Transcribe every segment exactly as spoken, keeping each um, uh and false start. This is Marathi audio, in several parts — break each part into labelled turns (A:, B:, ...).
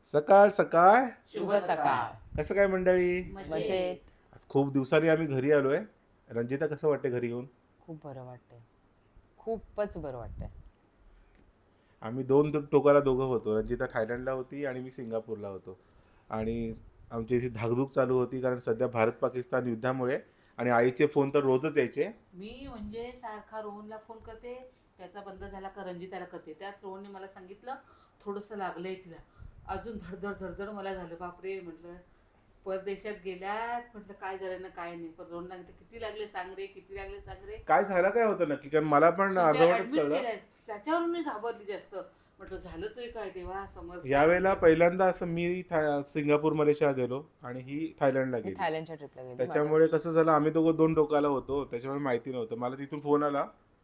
A: सकाळ सकाळ
B: शुभ सकाळ.
A: कसं काय मंडळी?
B: म्हणजे
A: आज खूप दिवसांनी आम्ही घरी आलोय. रंजिता कसं वाटते घरी येऊन?
B: खूप बरं वाटतंय, खूपच बरं वाटतंय.
A: आम्ही दोन दो- टोकाला दोघं होतो. रंजिता थायलंडला होती आणि मी सिंगापूरला होतो. आणि आमची अशी धाकधूक चालू होती कारण सध्या भारत पाकिस्तान युद्धामुळे आणि आईचे फोन तर रोजच यायचे.
C: मी म्हणजे सारखा रोहनला फोन करते, त्याचा बंद झाला का रंजिताला करते. त्यात रोहनने मला सांगितलं थोडंसं लागलंय तिला. अजून धडधड धडधड मला झालं, बापरे म्हटलं परदेशात गेल्यात, म्हटलं काय झालं ना काय नाही. पण रोहन सांगितलं किती लागले सांग रे, किती लागले सांग रे.
A: काय झालं काय होतं नक्की? कारण मला पण अर्धवटच
C: ऍडमिट
A: कळलं.
C: केलंय, त्याच्यावरून मी घाबरली जास्त. म्हटलं झालं तरी काय देवा समोर.
A: यावेळेला पहिल्यांदा असं मी था- सिंगापूर मलेशिया गेलो आणि ही थायलंडला
B: मी
A: गेली.
B: थायलंडच्या ट्रिपला गेली.
A: त्याच्यामुळे कसं झालं, आम्ही दोघं दोन टोकाला होतो, त्याच्यामुळे माहिती नव्हतं. मला तिथून फोन आला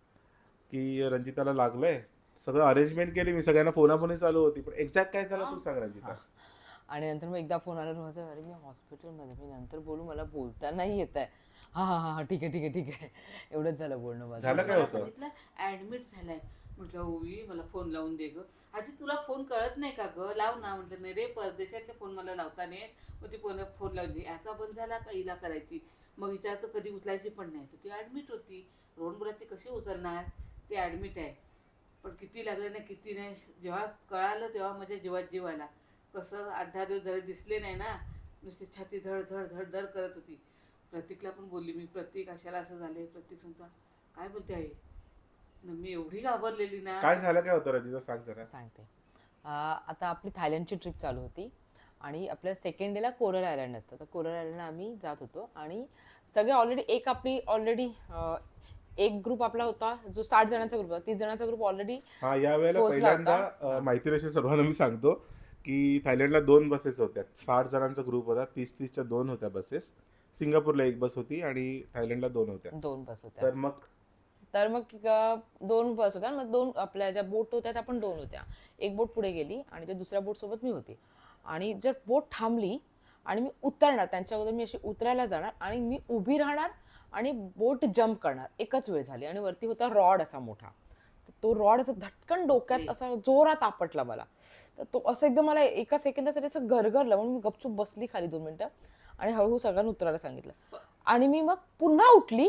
A: की रंजिताला लागलंय. सगळं अरेंजमेंट केली मी, सगळ्यांना फोनाफोनी चालू होती, पण एक्झॅक्ट काय झालं तू सांग रंजिता.
B: आणि नंतर मग एकदा फोन आला रोहनचा, अरे मी हॉस्पिटलमध्ये, मी नंतर बोलू, मला बोलता नाही येत आहे. हा हा हा ठीक आहे ठीक आहे ठीक आहे एवढंच झालं बोलणं माझं.
A: झालं काय
C: मला
A: होतं?
C: सांगितलं ऍडमिट झालाय. म्हटलं ओवी मला फोन लावून दे ग. आजी तुला फोन कळत नाही का ग, लाव ना. म्हटलं नाही रे, परदेशातले फोन मला लावता नाही. मग ती फोन फोन लावली, याचा बंद झाला का हिला करायची. मग हिच्या तर कधी उचलायची पण नाही, तर ती ऍडमिट होती. रोहन बोलत ती कशी उचलणार, ती ऍडमिट आहे. पण किती लागलं नाही किती नाही, जेव्हा कळालं तेव्हा माझ्या जीवात जीव आला. कसं आठ दहा दिवस झाले दिसले नाही ना, नुसती छाती धड धड धड धड करत होती. प्रतीकला पण बोलली मी, प्रतीक अशाला असं झालंय. प्रतीक सांगता काय बोलते आहे न, मी एवढी घाबरलेली ना.
A: काय झालं काय होतं रंजिता, सांग जरा.
B: सांगते. अं, आता आपली थायलंडची ट्रिप चालू होती आणि आपल्या सेकंड डेला कोरल आयलंड असतं. तर कोरल आयलंडला आम्ही जात होतो आणि सगळे ऑलरेडी एक आपली ऑलरेडी एक ग्रुप आपला होता जो साठ जणांचा ग्रुप होता, तीस जणांचा ग्रुप ऑलरेडी
A: हा, या वेळेला
B: पोहोचला
A: पहिल्यांदा
B: होता.
A: अ, माहिती नसेल सर्वांना मी सांगतो की थायलंडला दोन बसेस होत्या. साठ जणांचा ग्रुप होता, तीस तीसच्या दोन होत्या बसेस. सिंगापूरला एक बस होती आणि थायलंडला दोन होत्या.
B: दोन बस होत्या.
A: तर मग
B: तर मग अ, दोन बस होत्या. मग दोन आपल्या ज्या बोट होत्या त्या पण दोन होत्या. एक बोट पुढे गेली आणि त्या दुसऱ्या बोट सोबत मी होती. आणि जस्ट बोट थांबली आणि मी उतरणार, त्यांच्या अगोदर मी अशी उतरायला जाणार आणि मी उभी राहणार आणि बोट जम्प करणार. एकच वेळ झाली आणि वरती होता रॉड असा मोठा. तर तो रॉड असं धटकन डोक्यात असा जोरात आपटला मला. तर तो असं एकदम मला एका सेकंदासाठी असं गरगरलं, म्हणून मी गपचूप बसली खाली दोन मिनिटं आणि हळूहळू सगळ्यांना उतरायला सांगितलं. आणि मी मग पुन्हा उठली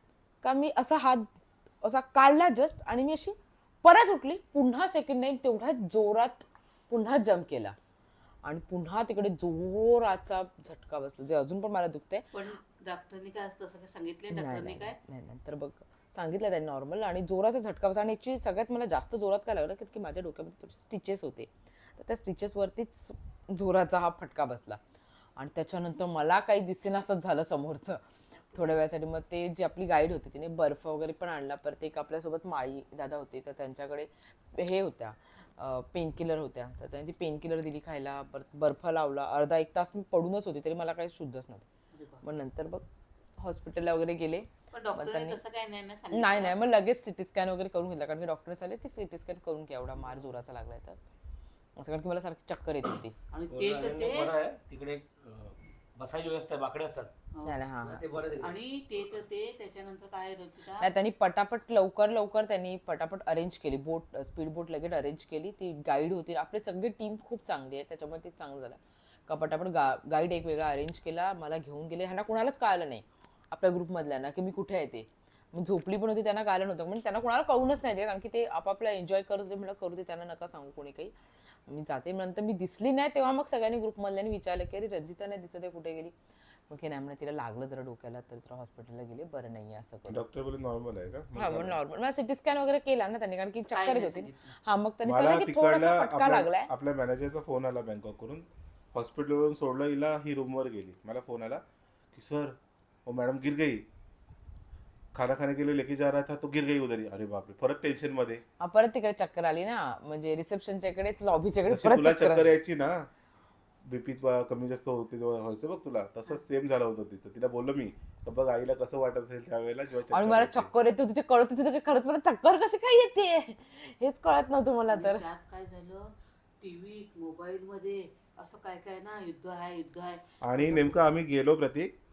B: का मी असा हात असा काढला जस्ट आणि मी अशी परत उठली. पुन्हा सेकंड टाइम तेवढ्या जोरात पुन्हा जम्प केला आणि पुन्हा तिकडे जोराचा झटका बसला, जे अजून पण मला दुखते.
C: पण डॉक्टरनी काय असतं असं काय सांगितले,
B: नाही
C: डॉक्टरनी
B: नाही
C: काय
B: नाही, नंतर बघ सांगितलं त्यांनी नॉर्मल. आणि जोराचा झटका बसला आणि याची सगळ्यात मला जास्त जोरात काय लागलं की माझ्या डोक्यामध्ये थोडेसे स्टिचेस होते. तर त्या स्टिचेसवरतीच जोराचा हा फटका बसला आणि त्याच्यानंतर मला काही दिसेनासंच झालं समोरचं थोड्या वेळासाठी. मग ते जी आपली गाईड होती तिने बर्फ वगैरे पण आणला. परत एक आपल्यासोबत माळी दादा होते, तर त्यांच्याकडे हे होत्या पेन किलर होत्या, तर त्यांनी ती पेन किलर दिली खायला. परत बर्फ लावला. अर्धा एक तास मी पडूनच होती तरी मला काही शुद्धच नव्हतं. मग नंतर बघ हॉस्पिटलला वगैरे गेले.
C: पण
B: मग
C: डॉक्टरने
B: त्यांनी
C: तसं काय नाही ना सांगितलं.
B: नाही नाही मग लगेच सिटी स्कॅन वगैरे करून घेतला, कारण की डॉक्टर आले ती सिटी स्कॅन करून घ्या, एवढा मार जोराचा लागलाय तर असं. कारण की मला सारखी चक्कर येत होती.
C: आणि ते तर
D: बरं
C: ते
D: आहे, तिकडे अं, बसायची व्यवस्था आहे, बाकडे असतात
C: हो.
B: नाही नाही, हा
D: ते बरं आहे तिकडे.
C: आणि ते तर ते त्याच्यानंतर काय रंजिता,
B: नाही, त्यांनी पटापट लवकर लवकर त्यांनी पटापट अरेंज केली. बोट स्पीड बोट लगेच अरेंज केली. ती गाईड होती, आपली सगळी टीम खूप चांगली आहे त्याच्यामुळे ते चांगलं झालं का पटापट गा गाईड एक वेगळा अरेंज केला, मला घेऊन गेले. ह्यांना कुणालाच कळलं नाही आपल्या ग्रुपमधल्यांना की मी कुठे आहे ते. मी झोपली पण होती, त्यांना कळलं नव्हतं. म्हणजे त्यांना कोणाला कळूनच नाही ते, कारण की ते आपापला एन्जॉय करत होते. म्हणलं करू दे, त्यांना नका सांगू कोणी काही. मी जाते. नंतर मी दिसली नाही तेव्हा मग सगळ्यांनी ग्रुपमधल्यांनी विचारलं की अरे रंजिता नाही दिसत आहे, कुठे गेली. मग हे नाही म्हणा, तिला लागलं जरा डोक्याला तर जरा हॉस्पिटलला गेले, बरं नाही असं करून.
A: डॉक्टर बोले नॉर्मल आहे का? मग
B: हा मग
A: झालं.
B: नॉर्मल मला सिटी स्कॅन वगैरे केला ना त्यांनी, कारण की
C: काय
B: चक्कर
C: नाही
B: येत होती.
C: सांगितलं.
B: हा मग त्यांनी
A: मला
B: सांगितलं की
A: तिकडला
B: थोडासा फटका
A: आपल्या
B: लागलाय.
A: आपल्या मॅनेजरचा फोन आला बँकॉकवरून. हॉस्पिटलवरून सोडलं हिला, ही रूमवर गेली. मला फोन आला की सर वो मॅडम गिर गई, खाना खाने के लिए लेके जा रहा था तो गिर गई उधर ही. अरे बापरे, परत टेन्शन मध्ये.
B: हा, परत तिकडे चक्कर आली ना, म्हणजे रिसेप्शनच्या इकडेच लॉबीच्या इकडे
A: जशी
B: परत
A: तुला
B: चक्कर
A: चक्कर
B: आली.
A: यायची ना, बीपी कमी जास्त होते तेव्हा व्हायचं बघ तुला, तसंच सेम झालं होतं तिचं. तिला बोललो मी तर बघ आईला कसं वाटत असेल त्यावेळेला जेव्हा
B: आणि
A: चक्कर
B: मला
A: यायची.
B: चक्कर येत होती, ते कळत होतं की खरंच मला चक्कर कशी काय येते हेच कळत नव्हतं मला
C: आणि
B: तर.
C: त्यात काय झालं, टीव्ही मोबाईल मध्ये असं काय काय ना, युद्ध आहे युद्ध आहे.
A: आणि नेमकं आम्ही गेलो प्रतीक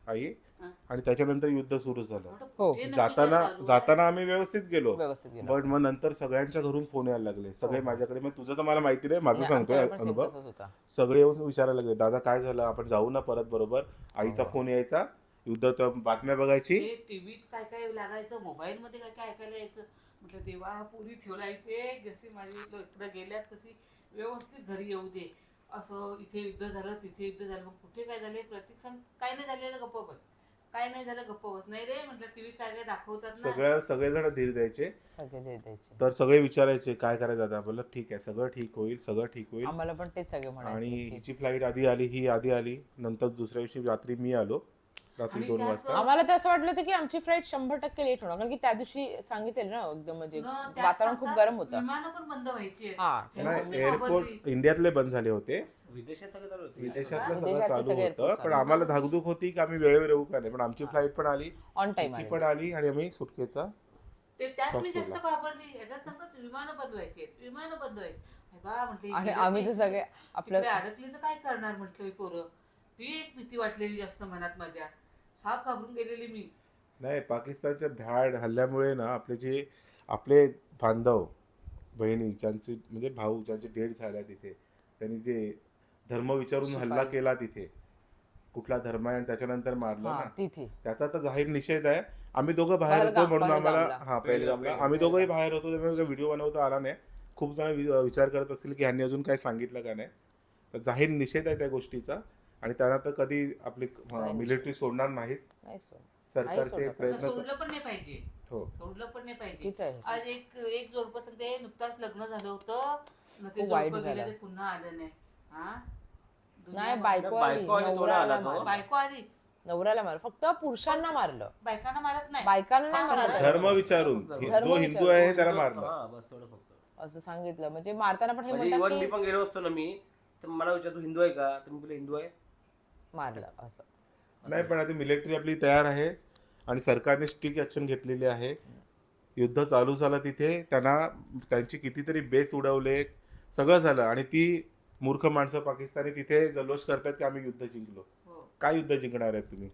A: आई
C: हा.
A: आणि त्याच्यानंतर युद्ध सुरू झालं.
C: म्हटलं,
B: हो.
C: कुठे नक्की
A: जाताना
C: काय चालू आहे?
A: जाताना आम्ही व्यवस्थित गेलो,
B: व्यवस्थित गेलो.
A: बट मग नंतर सगळ्यांच्या घरून फोन यायला लागले. सगळे
B: हो.
A: माझ्याकडे, मग तुझं तर मला माहिती नाही, माझं
B: आणि
A: सांगतोय
B: आमच्याकडे पण same
A: अनुभव.
B: तसंच होता.
A: सगळे येऊन विचारायला लागले, दादा काय झालं, आपण जाऊ ना परत बरोबर. आईचा
D: हो.
A: फोन यायचा, युद्ध तर बातम्या बघायची.
C: ते टीव्हीत काय काय लागायचं, मोबाईल मध्ये काय काय ऐकायला यायचं. म्हटलं देवा पुरी ठेवला इथे, जशी माझी इकडे गेल्यात तशी व्यवस्थित घरी येऊ दे. असं इथे युद्ध झालं, तिथे युद्ध झालं, मग कुठे काय झाले प्रत्यक्षात काय नाही झालेलं, गप्प बस. काय नाही झालं, गप्प बस. नाही रे म्हटलं टीव्हीत काय काय दाखवतात ना.
A: सगळ्या सगळेजण धीर द्यायचे.
B: सगळे जे द्यायचे.
A: तर सगळे विचारायचे काय करायचं आता. बोललं ठीक आहे, सगळं ठीक होईल, सगळं ठीक होईल.
B: आम्हाला पण तेच सगळे
A: आणि
B: म्हणायचे की-
A: हिची फ्लाईट आधी आली, ही आधी आली. नंतर दुसऱ्या दिवशी रात्री मी आलो, रात्री
C: आणि
A: दोन
C: त्यात-
A: वाजता.
B: आम्हाला तर असं वाटलं होतं की आमची फ्लाईट शंभर टक्के लेट होणार, कारण की त्या दिवशी सांगितलेलं ना एकदम म्हणजे
C: न, त्यात
B: वातावरण खूप
C: सांगतात,
B: गरम होतं.
C: विमानं पण बंद व्हायची आहेत.
B: हा.
C: त्यामुळे
A: नाही,
C: मी
A: एअरपोर्ट
C: घाबरली.
A: इंडियातले बंद झाले होते,
D: विदेशात सगळं चालू होतं.
A: विदेशातलं सगळं
B: विदेशातले
A: चालू
B: सगळे
A: होतं.
B: airport
A: पण
B: चालू
A: आम्हाला धाकधूक होती की आम्ही वेळेवर येऊ का नाही. पण आमची फ्लाईट पण आली,
B: ऑन टाइम
A: तिची पण आली आणि आम्ही सुटकेचा
C: ते त्यात मी
A: श्वास
C: जास्त
A: सोडला.
C: घाबरली. याच्यात सांगतात विमानं बंद व्हायची आहेत, विमानं बंद व्हायची. अरे बा म्हटलं
B: आणि
C: इकडे
B: आम्ही तर
C: ती-
B: सगळे आपलं
C: तिकडे अडकली तर काय करणार म्हटलं ही पोरं. ती एक भीती वाटलेली जास्त मनात माझ्या. साप घाबरून गेलेली मी.
A: नाही. पाकिस्तानच्या भ्याड हल्ल्यामुळे ना आपले जे आपले बांधव बहिणी ज्यांचे म्हणजे भाऊ ज्यांचे डेट झाल्या तिथे, त्यांनी जे धर्म विचारून हल्ला
B: शिपाई.
A: केला तिथे, कुठला धर्म आहे आणि त्याच्यानंतर मारलं
B: हा
A: ना,
B: तिथे
A: त्याचा तर जाहीर निषेध आहे. आम्ही दोघं बाहेर होतो
B: पहलगाम-
A: म्हणून आम्हाला
B: पहलगामला.
A: हा पहिलगामला आम्ही दोघंही बाहेर होतो, त्यामुळे व्हिडिओ बनवता आला नाही. खूप जण वि- विचार करत असतील की ह्यांनी अजून काही सांगितलं का नाही. तर जाहीर निषेध आहे त्या गोष्टीचा. आणि त्यांना तर कधी आपली
B: नाही.
A: मिलिटरी सोडणार नाहीच.
B: नाही सोड.
A: सरकारचे
B: सोडणार.
C: तर
A: प्रयत्न
C: सोडलं पण नाही पाहिजे.
A: हो.
C: सोडलं पण नाही पाहिजे.
B: चुकीचं आहे.
C: आज एक एक जोडपं सांगते, नुकताच लग्न झालं होतं न ते
B: खूप वाईट
C: जोडपं गेलं
B: झालं.
C: ते पुन्हा आलं नाही. हा दुनिया
B: नाही,
C: बघ-
B: बायको आली,
D: बायको आली, थोडा
B: नवऱ्याला
D: आला तो.
B: मारलं.
C: बायको आली,
B: नवऱ्याला मारलं, फक्त पुरुषांना मारलं,
C: बायकांना मारत नाही.
B: बायकांना नाही
C: हा,
B: मारलं.
A: धर्म विचारून
D: धर्म
A: जो हिंदू आहे त्याला मारलं.
D: हा, बस तेवढं फक्त.
B: असं सांगितलं. म्हणजे मारताना पण हे
D: म्हणजे
B: म्हणतात
D: इव्हन मी
B: की
D: पण गेलो असतो ना मी, तर मला विचार तू हिंदू आहे का, तर मी बोललो हिंदू आहे.
B: मारलं असं.
A: नाही, पण आता मिलिटरी आपली तयार आहे आणि सरकारने स्ट्रिक्ट ऍक्शन घेतलेली आहे. युद्ध चालू झालं तिथे, त्यांना त्यांची कितीतरी बेस उडवले, सगळं झालं. आणि ती मूर्ख माणसं पाकिस्तानी तिथे जल्लोष करतात की आम्ही युद्ध जिंकलो.
C: हो.
A: काय युद्ध जिंकणार आहेत तुम्ही?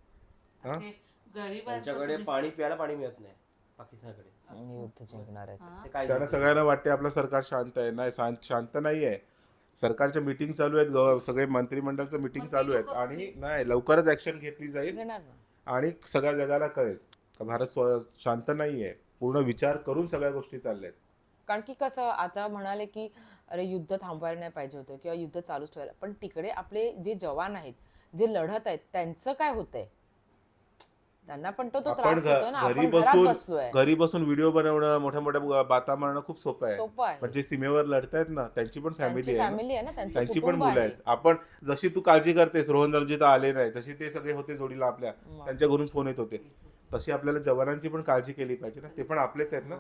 A: हा?
C: ते गरीब
D: त्यांच्याकडे पाणी प्यायला पाणी मिळत नाही पाकिस्तानकडे.
B: आणि युद्ध जिंकणार आहेत.
D: ते काय
A: त्यांना सगळ्यांना वाटते आपलं सरकार शांत आहे. नाही, शांत शांत नाही आहे. सरकारच्या मीटिंग चालू आहेत, गव- सगळे मंत्रिमंडळचं मीटिंग
C: मग ते
A: चालू आहेत
C: लोकं
A: आणि नाही, लवकरच ऍक्शन घेतली जाईल
B: घेणार ना.
A: आणि सगळ्या जगाला कळेल का भारत स्व- शांत नाहीये. पूर्ण विचार करून सगळ्या गोष्टी चालल्या आहेत.
B: कारण की कसं आता म्हणाले की अरे युद्ध थांबवायला नाही पाहिजे होतं किंवा युद्ध चालूच ठेवायला, पण तिकडे आपले जे जवान आहेत, जे लढत आहेत, त्यांचं काय होतंय? त्यांना पण तो तो
A: आपण
B: त्रास होतो ना.
A: घ- घरी
B: आपण घरात
A: बसून
B: बसलोय,
A: घरी बसून व्हिडिओ बनवणं, मोठ्या मोठ्या बाता मारणं खूप सोपं आहे.
B: सोपं आहे.
A: म्हणजे सीमेवर लढतायत ना, त्यांची पण फॅमिली
B: त्यांची
A: आहे ना.
B: फॅमिली आहे ना, त्यांची
A: त्यांची पण
B: कुटुंब
A: मुलं
B: आहे.
A: आहेत. आपण जशी तू काळजी करतेस, रोहन रणजित आले नाही, तशी ते सगळे होते जोडीला आपल्या,
B: मग.
A: त्यांच्या घरून फोन येत होते. तशी आपल्याला जवानांची पण काळजी केली पाहिजे ना. ते पण आपलेच आहेत ना.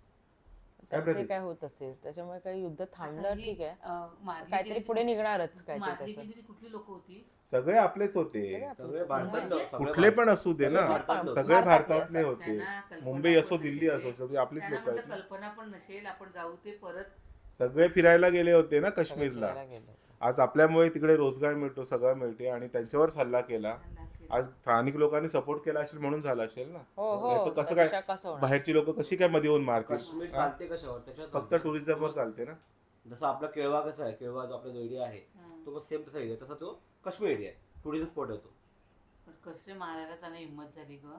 A: काय
B: त्यांचे
A: प्रतीक?
B: काय होत असेल, त्याच्यामुळे काही युद्ध थांबलं
C: आता ही,
B: ठीक आहे,
C: अं, मारली
B: काहीतरी
C: गेलेली-
B: पुढे निघणारच काहीतरी
C: मारली
B: त्याचं.
C: गेलेली कुठली लोक होती?
A: सगळे आपलेच होते.
B: सगळे आपलेच
D: सगळे
B: होते.
D: भारतात
C: म्हणजे
D: सगळे
A: कुठले पण
D: भारतात-
A: असू दे
D: सगळे
A: ना,
D: भारतात लोक.
A: सगळे
B: भारतातले
A: भारतातले
B: असतात.
A: होते.
C: त्यांना कल्पना
A: मुंबई असो,
C: पण
A: दिल्ली
C: नसेल.
A: असो, सगळी आपलीच
C: त्यांना
A: लोक आहेत
C: म्हटलं
A: ना.
C: कल्पना पण नसेल, आपण जाऊ ते परत.
A: सगळे फिरायला गेले होते ना
B: सगळे
A: काश्मीरला.
B: फिरायला गेले होते.
A: आज आपल्यामुळे तिकडे रोजगार मिळतो, सगळं मिळते आणि त्यांच्यावरच हल्ला केला.
C: त्यांना केलं.
A: आज स्थानिक लोकांनी सपोर्ट केला असेल म्हणून झाला असेल ना.
B: हो
A: नाही
B: हो
A: तर कसं
B: त्यापेक्षा
A: काय
B: कसं होणार?
A: बाहेरची लोक कशी काय मध्ये येऊन मारतील?
D: काश्मीर
A: हा?
D: चालते कशावर त्याच्यावर
A: फक्त
D: चालते.
A: टुरिझमवर चालते ना.
D: जसं आपला केळवा कसा आहे, केळवा जो आपला जो एरिया आहे
C: हं.
D: तो पण सेम तसा एरिया, तसा तो काश्मीर एरिया आहे, टुरिझम स्पॉट आहे तो.
C: पण कसे मारायला त्यांना हिंमत झाली ग.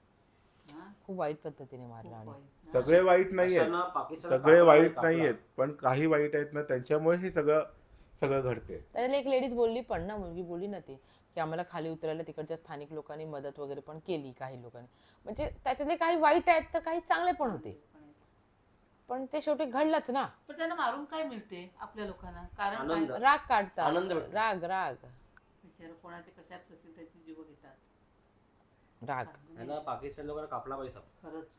C: हा?
B: खूप वाईट पद्धतीने मारलं
C: खूप
B: आणि
C: वाईट ना.
A: सगळे वाईट नाहीयेत,
D: अशांना पाकिस्तान
A: सगळे
D: कापला
A: वाईट
D: कापला.
A: नाहीयेत, पण काही वाईट आहेत ना, त्यांच्यामुळे हे सगळं सगळं घडते.
B: त्याला एक लेडीज बोलली पण ना, मुलगी बोलली ना ती की आम्हाला खाली उतरायला तिकडच्या स्थानिक लोकांनी मदत वगैरे पण केली, काही लोकांनी. म्हणजे त्याच्यातले काही वाईट आहेत तर काही चांगले पण होते, पण ते शेवटी घडलंच ना.
C: पण त्यांना मारून काय मिळते आपल्या लोकांना? कारण
D: आनंद.
C: काय?
B: राग काढतात,
D: आनंद भेटतो.
B: राग राग
C: बिचारं कोणाचे कशात असेल त्याची जीव घेतात.
B: राग.
D: ह्यांना पाकिस्तान लोकांना कापला पाहिजे.
C: खरंच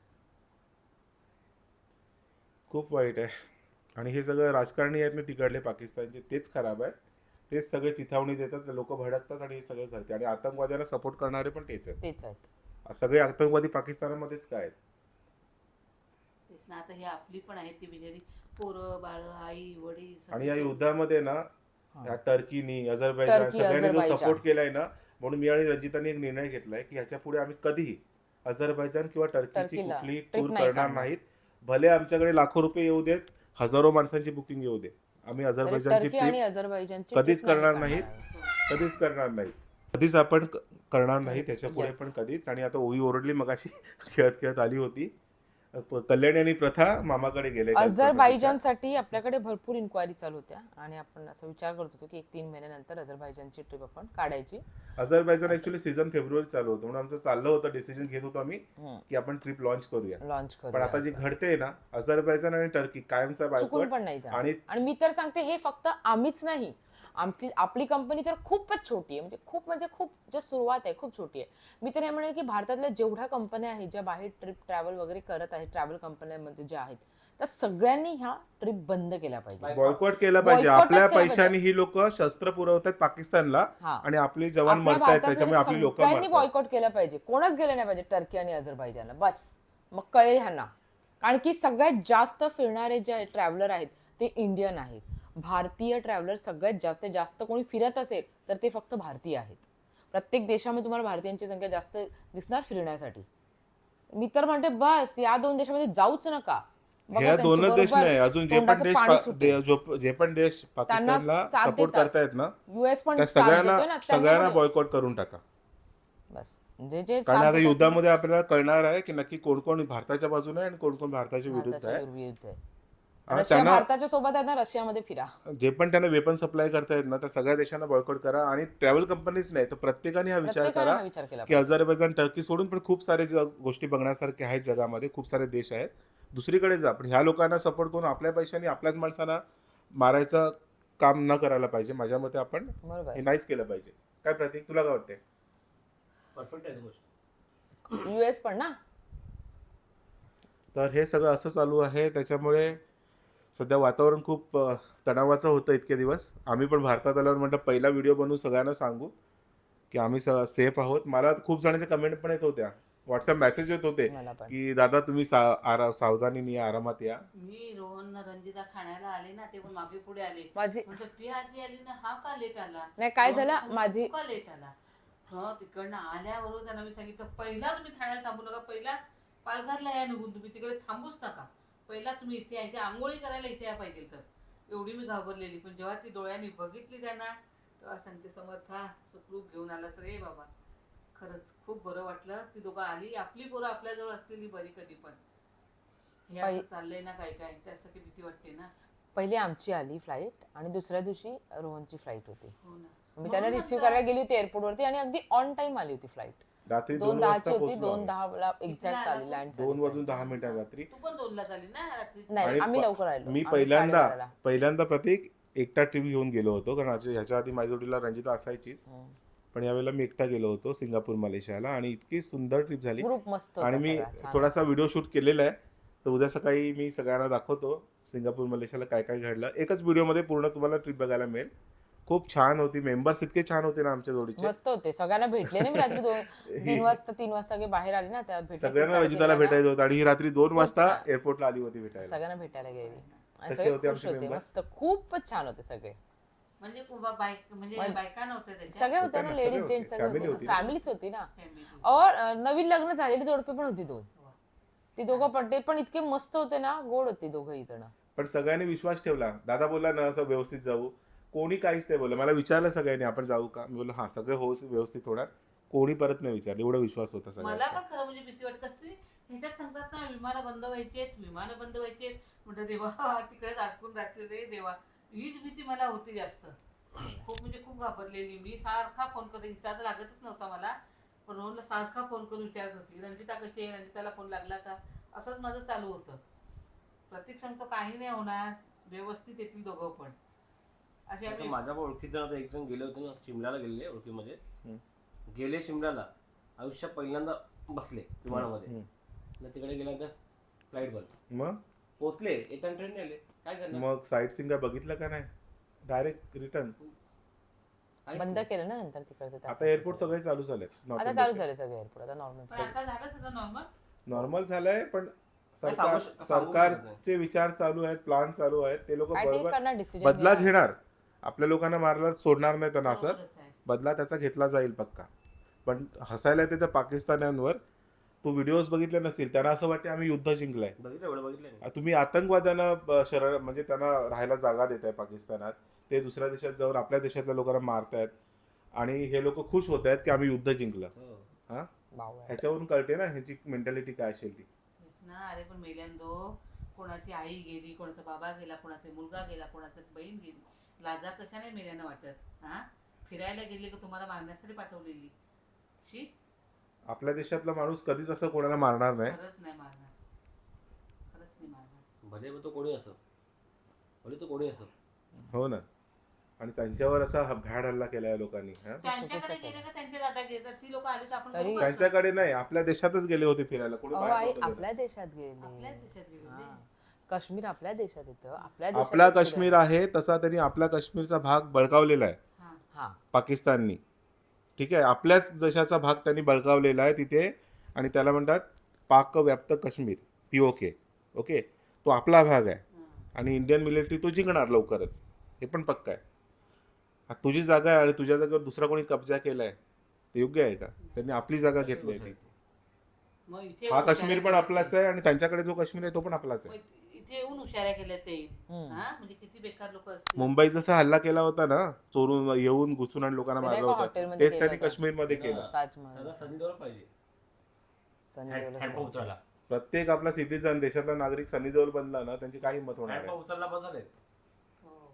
A: खूप वाईट आहे. आणि हे सगळं राजकारणी आहेत ना तिकडले पाकिस्तानचे, तेच खराब आहे. तेच सगळे चिथावणी देतात, लोक भडकतात आणि हे सगळं घडते. आणि आतंकवाद्यांना सपोर्ट करणारे पण तेच आहेत.
B: तेच आहेत.
A: सगळे आतंकवादी पाकिस्तानामध्येच काय आहेत?
C: तेच ना. आता ही आपली पण आहेत ती बिचारी पोरं बाळ, आई वडील
A: आणि या
C: सगळे.
A: युद्धामध्ये ना
B: हा.
A: या टर्कीनी, अझरबैजान
B: टर्की,
A: सगळ्यांनी जो
B: अझरबैजान.
A: सपोर्ट केलाय ना, म्हणून मी आणि रंजिताने एक निर्णय घेतलाय की ह्याच्या पुढे आम्ही कधीही अझरबैजान किंवा टर्कीची
B: टर्कीला
A: कुठली
B: trip
A: टूर
B: नाही
A: करणार
B: काढणार.
A: नाहीत. भले आमच्याकडे लाखो रुपये येऊ देत, हजारो माणसांची बुकिंग येऊ दे, आम्ही अझरबैजानची
B: टर्की आणि
A: ट्रिप
B: अझरबैजानची
A: कधीच
B: trip नाही
A: करणार
B: काढणार
A: नाहीत.
B: आहे.
A: कधीच करणार नाही, कधीच आपण क- करणार नाही त्याच्या पुढे
B: Yes.
A: पण कधीच. आणि आता ओवी ओरडली मगाशी खेळत खेळत आली होती. प- कल्याणी आणि प्रथा मामाकडे गेले
B: अझरबैजानसाठी आपल्याकडे भरपूर इन्क्वायरी चालू होत्या आणि आपण असं विचार करत होतो की एक तीन महिन्यानंतर अझरबैजानची ट्रिप आपण काढायची.
A: अझरबैजान ऍक्च्युली सीझन फेब्रुवारी चालू होतं म्हणून आमचं चाललं होतं, डिसिजन घेत होतो आम्ही
B: हम्म.
A: की आपण ट्रिप लॉन्च करूया.
B: लॉन्च
A: पण
B: करू
A: आता जी घडते ना अझरबैजान आणि टर्की कायमचा
B: चुकून
A: बायकॉट.
B: पण नाही जाणार.
A: आणि
B: आणि मी तर सांगते हे फक्त आम्हीच नाही, आमची आपली कंपनी तर खूपच छोटी आहे, म्हणजे खूप म्हणजे खूप जे सुरुवात आहे खूप छोटी आहे. मी तर हे म्हणेन की भारतातल्या जेवढ्या कंपन्या आहेत ज्या बाहेर ट्रिप ट्रॅव्हल वगैरे करत आहेत, ट्रॅव्हल कंपन्यांमध्ये ज्या आहेत, त्या सगळ्यांनी ह्या ट्रिप बंद केल्या पाहिजे.
A: बॉयकॉट केला पाहिजे.
B: Boycott च
A: आपल्या
B: केलं
A: पैशाने ही लोक शस्त्र पुरवतात पाकिस्तानला
B: हा.
A: आणि आपले जवान
B: आपल्या
A: मरतायत त्याच्यामुळे आपली लोक
B: सगळ्यांनी
A: मरतात.
B: बॉयकॉट केलं पाहिजे, कोणच गेलं नाही पाहिजे टर्की आणि अझरबैजानला. बस मग कळेल ह्यांना, कारण की सगळ्यात जास्त फिरणारे जे ट्रॅव्हलर आहेत ते इंडियन आहेत. भारतीय ट्रॅव्हलर सगळ्यात जास्त जास्त कोणी फिरत असेल तर ते फक्त भारतीय आहेत. प्रत्येक देशामध्ये तुम्हाला भारतीयांची संख्या जास्त दिसणार फिरण्यासाठी. मी तर म्हणते बस या दोन देशामध्ये जाऊच नका. बघा
A: ह्या
B: त्यांची
A: दोनच देश
B: बरोबर
A: नाही, अजून जे पण
B: तोंडाचं
A: देश
B: पाणी
A: पा-
B: सुटेल.
A: दे- जो- जे पण देश पाकिस्तानला
B: साथ
A: सपोर्ट
B: देतात.
A: करतायत ना
B: युएस पण
A: त्या
B: साथ
A: सगळ्यांना
B: देतोय ना, त्यांना
A: सगळ्यांना
B: पण-
A: बॉयकॉट करून टाका.
B: बस जे जे
A: कारण
B: साथ
A: आता
B: देतात
A: युद्धामध्ये आपल्याला कळणार आहे की नक्की कोण कोण भारताच्या बाजूने आहे आणि कोण कोण भारताच्या
B: ना,
A: विरुद्ध
B: भारताच्या
A: आहे.
B: विरुद्ध आहे.
A: हा,
B: रशिया
A: त्यांना
B: भारताच्या सोबत आहे ना, रशियामध्ये फिरा.
A: जे पण त्यांना वेपन सप्लाय करतायत ना त्या सगळ्या देशांना बॉयकॉट करा. आणि ट्रॅव्हल कंपनीज नाही तर प्रत्येकाने हा विचार
B: प्रत्येकाने
A: करा
B: हा विचार केला
A: की
B: पाहिजे.
A: अझरबैजान टर्की सोडून पण खूप सारे जग- गोष्टी बघण्यासारखे आहेत जगामध्ये, खूप सारे देश आहेत, दुसरीकडे जा. पण ह्या लोकांना सपोर्ट करून आपल्या पैशाने आपल्याच माणसांना मारायचं काम न करायला पाहिजे. माझ्या मते आपण
B: बरोबर
A: हे नाहीच केलं पाहिजे. काय प्रतीक तुला काय वाटते?
D: परफेक्ट आहे ती गोष्ट.
B: युएस पण ना.
A: तर हे सगळं असं चालू आहे. त्याच्यामुळे सध्या वातावरण खूप अ, तणावाचं होतं इतके दिवस. आम्ही पण भारतात आल्यावर म्हटलं पहिला व्हिडिओ बनवून सगळ्यांना सांगू की आम्ही सेफ आहोत. मला खूप जणांच्या कमेंट पण येत होत्या, व्हॉट्सअप मेसेज येत होते
B: मला पण
A: की दादा तुम्ही सा- आरा- सावधानीने या, आरामात या.
C: मी रोहन रंजिता खाण्याला आले ना ते पण मागे पुढे आले.
B: माझी
C: म्हटलं ती आधी आली ना, हा का लेट आला?
B: नाही, काय
C: रोहन
B: झालं,
C: सांगतो,
B: माझी-
C: "तू का लेट आला?" हो तिकडनं आल्याबरोबर त्यांना मी सांगितलं पहिला तुम्ही ठाण्याला थांबू नका, पहिला पालघरला या निघून, तुम्ही तिकडे थांबूच नका, पहिला तुम्ही इथे या, इथे आंघोळी करायला इथे या पाहिजे. तर एवढी मी घाबरलेली. पण जेव्हा ती डोळ्यांनी बघितली त्यांना तेव्हा सांगते समर्था सुखरूप घेऊन आलास रे बाबा. खरंच खूप बरं वाटलं. ती दोघं आली, आपली पोरं आपल्याजवळ असलेली बरी कधी पण. हे असं
B: पहि-
C: चाललंय ना काय काय, त्यासाठी भीती वाटते ना.
B: पहिली आमची आली फ्लाईट आणि दुसऱ्या दिवशी रोहनची फ्लाईट होती.
C: हो ना.
B: मी त्याला
C: म्हणूनच
B: रिसिव्ह करायला गेली होती एअरपोर्टवरती आणि अगदी ऑन टाइम आली होती फ्लाईट.
A: रात्री
B: दोन
A: दोन
B: दहाची
A: वाजता
B: होती,
A: पोहोचलो
B: दोन
A: आम्ही.
B: दहाला एक्झॅक्ट
C: कितीला
B: आली
C: आला?
B: लँड
A: दोन वाजून दहा मिनिटं रात्री.
C: तू पण दोनला झाली ना रात्री?
B: नाही,
A: आणि
B: आम्ही
A: प-
B: लवकर आलो.
A: मी
B: आम्ही
A: पहिल्यांदा
B: साडेबाराला.
A: पहिल्यांदा प्रतीक एकटा ट्रिप घेऊन गेलो होतो, कारण आज- ह्याच्या आधी माझ्या जोडीला रंजिता असायचीच.
B: हम्म.
A: पण यावेळेला मी एकटा गेलो होतो सिंगापूर मलेशियाला आणि इतकी सुंदर ट्रिप झाली.
B: ग्रुप मस्त होता
A: आणि मी
B: सगळा, छान
A: थोडासा व्हिडिओ शूट केलेला आहे, तर उद्या सकाळी मी सगळ्यांना दाखवतो सिंगापूर मलेशियाला काय काय घडलं. एकच व्हिडिओमध्ये पूर्ण तुम्हाला ट्रिप बघायला मिळेल. खूप छान होती. मेंबर्स इतके छान होते ना आमच्या जोडीचे.
B: मस्त होते. सगळ्यांना भेटले ना मी रात्री दोन तीन वाजता तीन वाजता सगळे बाहेर आले ना, त्या भेटले.
A: सगळ्यांना रंजिताला भेटायचं होतं आणि ही रात्री दोन
B: खूप
A: वाजता
B: छान.
A: एअरपोर्टला आली होती भेटायला.
B: सगळ्यांना भेटायला गेली आणि
A: कसे
B: सगळे
A: होते
B: खुश
A: आमचे
B: होते.
A: member?
B: मस्त खूपच छान होते सगळे.
C: म्हणजे उभा बाईक म्हणजे
B: म्हणजे
C: बायका नव्हत्या त्याच्या
B: सगळे होते ना,
A: ना,
B: लेडीज
A: सगळे
B: जेंट्स
A: होते.
B: सगळे
A: Family
B: होते.
A: होती ना.
B: फॅमिलीच होती ना.
C: फॅमिली.
B: और अ, नवीन लग्न झालेली जोडपे पण होती दोन. ती दोघं पण ते पण इतके मस्त होते ना, गोड होती दोघंही जण.
A: पण सगळ्यांनी विश्वास ठेवला. दादा बोलला ना असं व्यवस्थित जाऊ, कोणी काहीच नाही बोललं. मला विचारलं सगळ्यांनी आपण जाऊ का, मी बोललो हा सगळं हो व्यवस्थित होणार, कोणी परत नाही विचारलं. एवढा विश्वास होता
C: मला
A: सगळ्यांचा.
C: पण खरं म्हणजे भीती वाटत कशी ह्याच्यात सांगतात ना विमानं बंद व्हायचे विमानं बंद व्हायचे म्हटलं देवा तिकडेच अडकून राहते रे देवा. हीच भीती मला होती जास्त. खूप म्हणजे खूप घाबरलेली मी. सारखा फोन करते, हिचा तर लागतच नव्हता मला, पण रोहनला सारखा फोन करून विचारत होती रंजिता कशी आहे, रंजिताला फोन लागला का, असंच माझं चालू होतं. प्रतीक सांगतो काही नाही होणार, व्यवस्थित येतील दोघं पण. असे
D: आता
C: आम्ही
D: माझ्या पण ओळखीचं आता एक जण गेले होते ना, शिमल्याला गेलेले ओळखीमध्ये.
A: हम्म.
D: गेले शिमल्याला, आयुष्यात पहिल्यांदा बसले विमानामध्ये.
A: हम्म.
D: आणि तिकडे गेल्यानंतर फ्लाईट बंद.
A: मग
D: पोहोचले, येताना ट्रेन आले, काय करणार?
A: मग साईट सिंग बघितलं का नाही, डायरेक्ट रिटर्न.
D: काहीच
B: बंद
D: नाही.
B: केलं ना नंतर तिकडचं त्या
A: आता एअरपोर्ट सगळे चालू झाले.
B: आता चालू झाले सगळे एअरपोर्ट, आता
C: पण
B: नॉर्मल.
C: आता झालं सगळं नॉर्मल.
A: नॉर्मल झालंय. पण
D: नाही,
A: सरकार
D: सांगू- सांगू शकत
A: सरकारचे विचार चालू आहेत, प्लान चालू आहेत, ते लोक
B: काय ते
A: बरोबर
B: करणार डिसिजन
A: बदला घेणार. आपल्या लोकांना मारायला सोडणार नाही त्यांना असंच.
C: बरोबरच आहे.
A: बदला त्याचा घेतला जाईल पक्का. पण हसायला येते त्या पाकिस्तान्यांवर. तू व्हिडिओज बघितले नसतील, त्यांना असं वाटते आम्ही युद्ध जिंकलंय.
D: बघितलं एवढं बघितलं नाही.
A: तुम्ही आतंकवाद्यांना ब- शरण म्हणजे त्यांना राहायला जागा देत आहे पाकिस्तानात, ते दुसऱ्या देशात जाऊन आपल्या देशातल्या लोकांना मारतायत आणि हे लोक खुश होत आहेत की आम्ही युद्ध जिंकलं.
D: हो.
A: हा,
B: बावळट.
A: ह्याच्यावरून कळते ना ह्याची मेंटॅलिटी काय असेल ती.
C: तेच ना. अरे पण मेल्यांदो कोणाची आई गेली, कोणाचा बाबा गेला, कोणाचा मुलगा गेला, कोणाचा बहीण गेली, लाजा कशाने मेल्यानं वाटत? हा, फिरायला गेली का तुम्हाला मारण्यासाठी पाठवलेली? शी,
A: आपल्या देशातला माणूस कधीच असं कोणाला मारणार नाही.
C: खरंच नाही मारणार, खरंच नाही मारणार.
D: भले मग तो कोणी असो, भले तो कोणी असो.
A: हो ना. आणि त्यांच्यावर असा ह- भ्याड हल्ला केला या लोकांनी. हा?
C: त्यांच्याकडे गेले का त्यांचे दादा घेतात, ती लोक आली तर आपण
B: तरी-
C: करू असं?
A: त्यांच्याकडे नाही, आपल्या देशातच गेले होते फिरायला. कुठे
B: अहो
A: बाहेर
B: आई
A: नव्हतं गेलं.
B: आपल्या देशात
C: आपल्याच
B: गेले.
C: देशात गेले
B: हा.
C: होते.
B: काश्मीर आपल्या देशात येतं. आपल्या देशातच
A: आपला
B: फिरायला.
A: काश्मीर आहे तसा त्यांनी आपला काश्मीरचा भाग बळकावलेला आहे
C: हा.
B: हा.
A: पाकिस्ताननी. ठीक आहे, आपल्याच देशाचा भाग त्यांनी बळकावलेला आहे तिथे आणि त्याला म्हणतात पाक व्याप्त काश्मीर, पीओके. ओके, तो आपला भाग आहे
C: हा.
A: आणि इंडियन मिलिटरी तो जिंकणार लवकरच, हे पण पक्का आहे. हा तुझी जागा आहे आणि तुझ्या जागेवर दुसरा कोणी कब्जा केलाय, ते योग्य आहे का? त्यांनी आपली जागा घेतली आहे ती.
C: मग इथे
A: हा
C: येऊन
A: काश्मीर
C: उशाऱ्या
A: पण
C: केल्या
A: आपलाच
C: ते.
A: आहे आणि त्यांच्याकडे जो काश्मीर आहे तो पण आपलाच आहे.
C: मग इथे येऊन हुशाऱ्या केल्या ते.
B: हम्म.
C: हा, म्हणजे किती बेकार लोक असतील.
A: मुंबई जसा हल्ला केला होता ना, चोरून येऊन घुसून आणि लोकांना
B: ते
A: मारलं
B: नाही का
A: होतं,
B: हॉटेलमध्ये
A: तेच
B: केलं
A: त्यांनी
B: होतं?
A: काश्मीरमध्ये केलं.
D: त्यांना
B: ताजमहल
D: संधी द्यायला पाहिजे.
B: सनी
D: हँड-
B: देओल
D: हँडपंप उचलला.
A: प्रत्येक आपला सिटीजन, देशातला नागरिक सनी देओल बनला ना, त्यांची काय हिंमत होणार आहे?
D: हँडपंप उचलला बस झाले.
C: हो.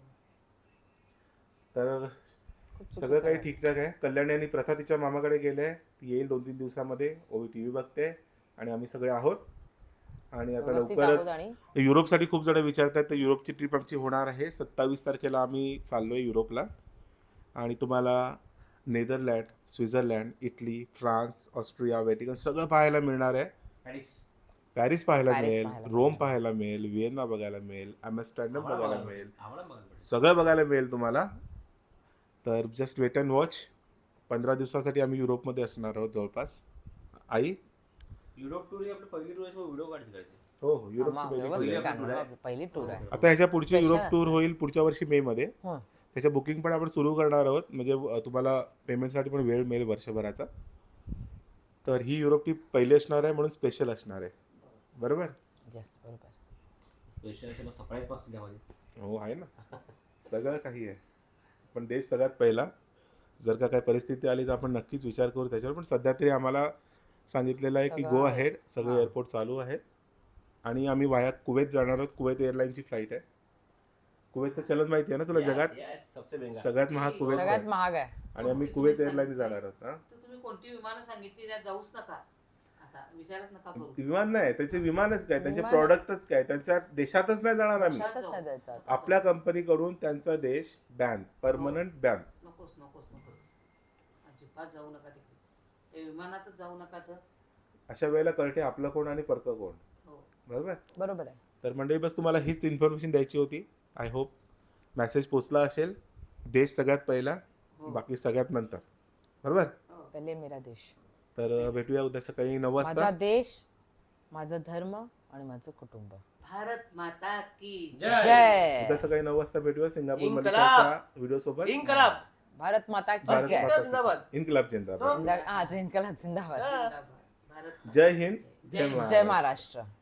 A: तर
B: खूप चुकीचं
A: सगळं काही
B: आहे.
A: ठीकठाक आहे. कल्याणी आणि प्रथा तिच्या मामाकडे गेले, ती येईल दोन तीन दिवसामध्ये. ओवी टी व्ही बघते आणि आम्ही सगळे आहोत. आणि आता
B: व्यवस्थित
A: लवकरच
B: आहोत आणि
A: युरोपसाठी खूप जण विचारतात, तर युरोपची ट्रिप आमची होणार आहे. सत्तावीस तारखेला आम्ही चाललोय युरोपला आणि तुम्हाला Netherland, Switzerland, Italy, France, Austria, Vatican सगळं पाहायला मिळणार आहे.
D: आणि
A: पॅरिस पाहायला
B: पॅरिस
A: मिळेल,
B: पाहायला
A: रोम
B: मिळेल.
A: पाहायला मिळेल, व्हिएन्ना बघायला मिळेल, ॲम्स्टरडॅम
D: आम्हाला
A: बघायला
D: बघायला
A: मिळेल,
D: आम्हाला बघायला पाहिजे.
A: सगळं बघायला मिळेल तुम्हाला. तर जस्ट वेट अँड वॉच. पंधरा दिवसासाठी आम्ही युरोपमध्ये असणार आहोत जवळपास. आई,
D: युरोप टूर ही आपली पहिली टूर आहे, व्हिडिओ काढ तिकडचे.
A: हो हो, युरोपची
B: आम्हा
A: पहिली
B: व्यवस्थित
A: tour आहे.
B: काढणार आपली पहिली टूर आहे.
A: आता ह्याच्या पुढची
B: Special
A: युरोप टूर
B: असणार.
A: होईल पुढच्या वर्षी मे मध्ये.
B: हं.
A: त्याच्या बुकिंग पण आपण सुरू करणार आहोत, म्हणजे अ, तुम्हाला पेमेंटसाठी पण वेळ मिळेल वर्षभराचा. तर ही युरोप ट्रिप पहिली असणार आहे म्हणून स्पेशल असणार आहे. बरोबर?
B: Yes, बरोबर.
D: स्पेशल सरप्राईज पासून त्यामध्ये.
A: हो आहे ना, सगळं काही आहे. पण देश सगळ्यात पहिला. जर का काही परिस्थिती आली तर आपण नक्कीच विचार करू त्याच्यावर. पण सध्या तरी आम्हाला सांगितलेलं आहे की
B: सगळं
A: गो
B: आहे.
A: अहेड, सगळे
B: हां.
A: एअरपोर्ट चालू आहेत. आणि आम्ही वाया कुवेत जाणार आहोत. कुवेत एअरलाईनची फ्लाईट आहे. कुवेतचं चलन माहिती आहे ना तुला?
D: Yes,
A: जगात
D: yes, सबसे महंगा.
A: सगळ्यात महाग कुवेत
B: सगळ्यात
A: आहे.
B: महाग आहे.
A: आणि आम्ही
C: तुम्ही
A: कुवेत
C: सांगितलं.
A: एअरलाईन जाणार आहोत. हा,
C: तर तुम्ही कोणती विमानं सांगितली त्यात जाऊच नका. आता विचारच नका करू.
A: विमान नाही, त्यांचे विमानच काय, त्यांचे
B: विमान-
A: प्रॉडक्टच काय, त्यांच्या देशातच नाही जाणार आम्ही.
B: देशातच नाही जायचं आता.
A: आपल्या कंपनीकडून त्यांचा देश बॅन, परमनंट बॅन.
C: नकोस नकोस नकोस, अजिबात जाऊ नका तिकडे. ते विमानातच जाऊ नका. तर
A: अशा वेळेला कळते आपलं कोण आणि परकं कोण.
C: हो.
A: बरोबर?
B: बरोबर आहे.
A: तर मंडळी, बस तुम्हाला हीच इन्फॉर्मेशन द्यायची होती. आय होप मेसेज पोचला असेल. देश सगळ्यात पहिला,
C: हो.
A: बाकी सगळ्यात नंतर. बरोबर?
C: हो.
B: पहिले मेरा देश,
A: तर अ, भेटूया उद्या सकाळी नऊ
B: माझा
A: वाजता.
B: देश, माझा धर्म आणि माझं कुटुंब.
C: भारत माता की
D: जय.
B: जय.
A: उद्या सकाळी नऊ वाजता भेटूया सिंगापूर
D: इन्कलाब.
A: मलेशियाच्या व्हिडिओ सोबत.
D: इन्कलाब.
B: भारत माता की
A: भारत
B: जय.
A: माता
D: जिंदाबाद.
A: की जय. इन्कलाब जिंदाबाद.
B: जिंदा- हा, जिंकला जिंदाबाद.
C: जिंदाबाद. भारत माता
A: जय
C: की
A: हिंद,
C: जय.
A: जय
C: जय
A: महाराष्ट्र.
B: जय महाराष्ट्र.